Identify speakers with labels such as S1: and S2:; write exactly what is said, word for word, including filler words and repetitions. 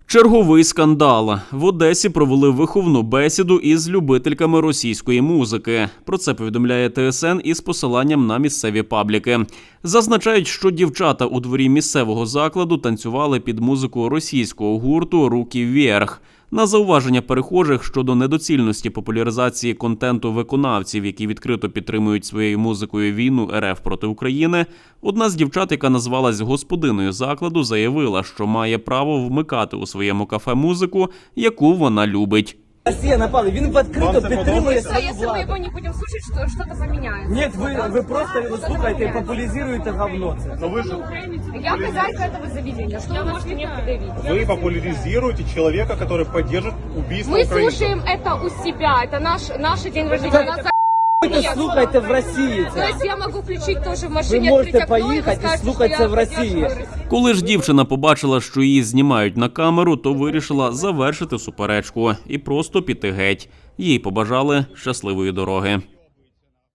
S1: Черговий скандал. В Одесі провели виховну бесіду із любительками російської музики. Про це повідомляє Т С Н із посиланням на місцеві пабліки. Зазначають, що дівчата у дворі місцевого закладу танцювали під музику російського гурту «Руки вверх». На зауваження перехожих щодо недоцільності популяризації контенту виконавців, які відкрито підтримують своєю музикою війну Р Ф проти України, одна з дівчат, яка назвалась господиною закладу, заявила, що має право вмикати у своєму кафе музику, яку вона любить.
S2: Росія напала, він відкрито підтримує свою
S3: Якщо ми
S2: владу.
S3: його не будемо слухати, то щось поміняється.
S2: Ні, ви, ви просто його слухаєте і популяризуєте говно це.
S3: Я хозяйка этого заведения, что вы можете мне предъявить?
S4: Вы популяризируете человека, который поддержит убийство
S3: Мы
S4: украинцев.
S3: слушаем это у себя, это наш, наш день рождения. У нас
S2: Ви це слухайте в Росії
S3: То
S2: це.
S3: есть я могу включить тоже в
S2: Ви
S3: машине,
S2: можете
S3: открыть окно и
S2: поїхати і
S3: сказать,
S2: слухати
S3: что
S2: це
S3: я
S2: в Росії.
S3: поддерживаю.
S1: Коли ж дівчина побачила, що її знімають на камеру, то вирішила завершити суперечку і просто піти геть. Їй побажали щасливої дороги.